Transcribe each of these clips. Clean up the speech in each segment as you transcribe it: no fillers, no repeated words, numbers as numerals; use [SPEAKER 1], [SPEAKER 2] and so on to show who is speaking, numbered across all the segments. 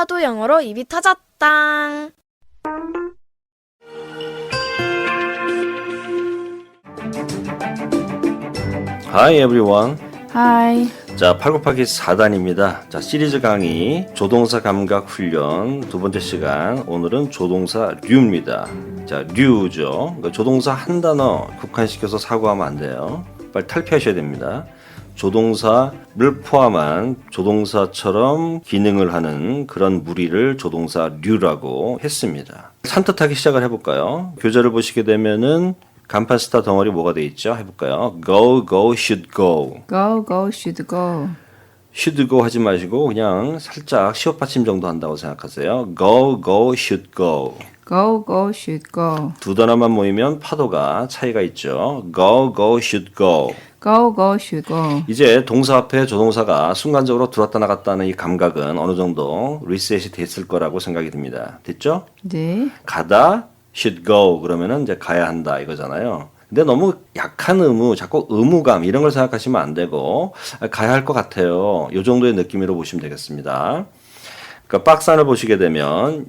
[SPEAKER 1] 하도 영어로 입이 터졌당.
[SPEAKER 2] Hi everyone.
[SPEAKER 3] Hi.
[SPEAKER 2] 자, 8 곱하기 4단입니다. 자, 시리즈 강의 조동사 감각 훈련 두 번째 시간. 오늘은 조동사 류입니다. 자, 류죠. 그러니까 조동사 한 단어 국한시켜서 사고하면 안 돼요. 빨리 탈피하셔야 됩니다. 조동사를 포함한 조동사처럼 기능을 하는 그런 무리를 조동사 류라고 했습니다. 산뜻하게 시작을 해볼까요? 교재를 보시게 되면은 간판 스타 덩어리 뭐가 돼 있죠? 해볼까요? Go, go, should go.
[SPEAKER 3] Go, go, should go.
[SPEAKER 2] should go 하지 마시고 그냥 살짝 시옷 받침 정도 한다고 생각하세요. Go, go, should go.
[SPEAKER 3] Go, go, should go.
[SPEAKER 2] 두 단어만 모이면 파도가 차이가 있죠. Go, go, should go.
[SPEAKER 3] Go, go, should go.
[SPEAKER 2] 이제 동사 앞에 조동사가 순간적으로 들어왔다 나갔다 하는 이 감각은 어느 정도 리셋이 됐을 거라고 생각이 듭니다. 됐죠?
[SPEAKER 3] 네.
[SPEAKER 2] 가다, should go 그러면은 이제 가야 한다 이거잖아요. 근데 너무 약한 의무, 자꾸 의무감 이런 걸 생각하시면 안 되고 가야 할 것 같아요. 이 정도의 느낌으로 보시면 되겠습니다. 그러니까 박스 안을 보시게 되면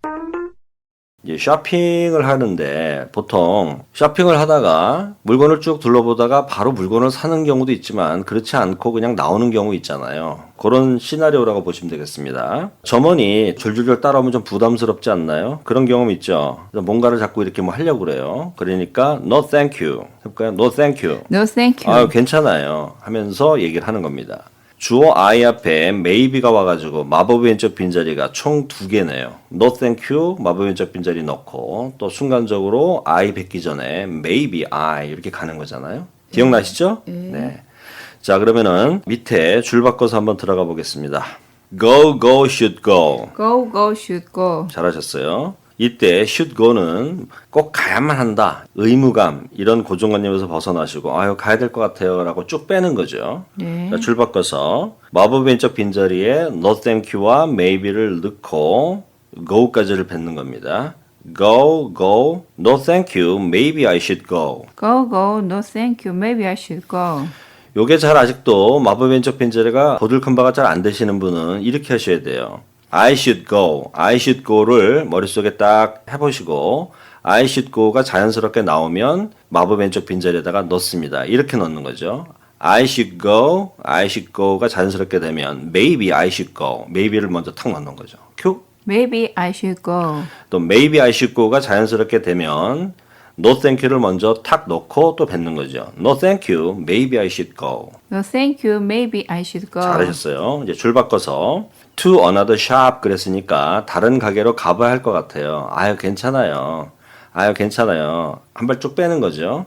[SPEAKER 2] 이제 쇼핑을 하는데 보통 쇼핑을 하다가 물건을 쭉 둘러보다가 바로 물건을 사는 경우도 있지만 그렇지 않고 그냥 나오는 경우 있잖아요. 그런 시나리오라고 보시면 되겠습니다. 점원이 줄줄줄 따라오면 좀 부담스럽지 않나요? 그런 경험 있죠. 뭔가를 자꾸 이렇게 뭐 하려고 그래요. 그러니까 no thank you 해볼까요? no thank you.
[SPEAKER 3] No, thank you.
[SPEAKER 2] 아, 괜찮아요 하면서 얘기를 하는 겁니다. 주어 I 앞에 maybe가 와가지고 마법의 왼쪽 빈자리가 총 2개네요. No thank you 마법의 왼쪽 빈자리 넣고 또 순간적으로 I 뱉기 전에 maybe I 이렇게 가는 거잖아요. 기억나시죠? 네. 자, 그러면은 밑에 줄 바꿔서 한번 들어가 보겠습니다. Go, go, should go.
[SPEAKER 3] Go, go, should go.
[SPEAKER 2] 잘하셨어요. 이때 should go는 꼭 가야만 한다. 의무감 이런 고정관념에서 벗어나시고 아유 가야 될 것 같아요 라고 쭉 빼는 거죠.
[SPEAKER 3] 네.
[SPEAKER 2] 자, 줄 바꿔서 마법 왼쪽 빈자리에 no thank you와 maybe를 넣고 go까지를 뱉는 겁니다. Go, go, no thank you, maybe I should go.
[SPEAKER 3] Go, go, no, thank you. Maybe I should go.
[SPEAKER 2] 요게 잘 아직도 마법 왼쪽 빈자리가 보들큰 바가 잘 안 되시는 분은 이렇게 하셔야 돼요. I should go, I should go를 머릿속에 딱 해보시고 I should go가 자연스럽게 나오면 마법 왼쪽 빈자리에다가 넣습니다. 이렇게 넣는 거죠. I should go, I should go가 자연스럽게 되면 maybe I should go, maybe를 먼저 탁 넣는 거죠. 큐.
[SPEAKER 3] Maybe I should go.
[SPEAKER 2] 또 maybe I should go가 자연스럽게 되면 no thank you를 먼저 탁 넣고 또 뱉는 거죠. No thank you, maybe I should go.
[SPEAKER 3] No, thank you. Maybe I should go.
[SPEAKER 2] 잘하셨어요. 이제 줄 바꿔서 to another shop 그랬으니까 다른 가게로 가봐야 할 것 같아요. 아유 괜찮아요. 아유 괜찮아요. 한 발 쭉 빼는 거죠.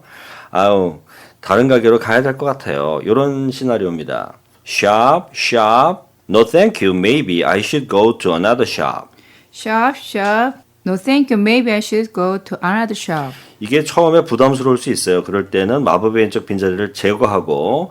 [SPEAKER 2] 아유 다른 가게로 가야 될 것 같아요. 이런 시나리오입니다. shop, shop, no thank you, maybe I should go to another shop.
[SPEAKER 3] Shop, shop. No, thank you. Maybe I should go to another shop.
[SPEAKER 2] 이게 처음에 부담스러울 수 있어요. 그럴 때는 마법의 왼쪽 빈자리를 제거하고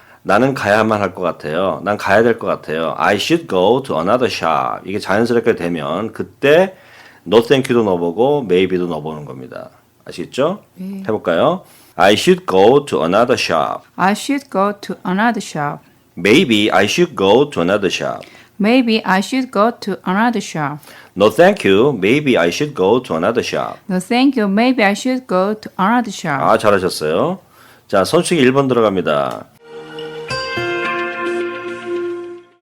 [SPEAKER 2] 나는 가야만 할 것 같아요. 난 가야 될 것 같아요. I should go to another shop. 이게 자연스럽게 되면 그때 no thank you도 넣어보고 maybe도 넣어보는 겁니다. 아시겠죠? 해볼까요? I should go to another shop.
[SPEAKER 3] I should go to another shop.
[SPEAKER 2] Maybe I should go to another shop.
[SPEAKER 3] Maybe I should go to another shop.
[SPEAKER 2] No thank you. Maybe I should go to another shop.
[SPEAKER 3] No, thank you. Maybe I should go to another shop.
[SPEAKER 2] 아, 잘하셨어요. 자, 선수기 1번 들어갑니다.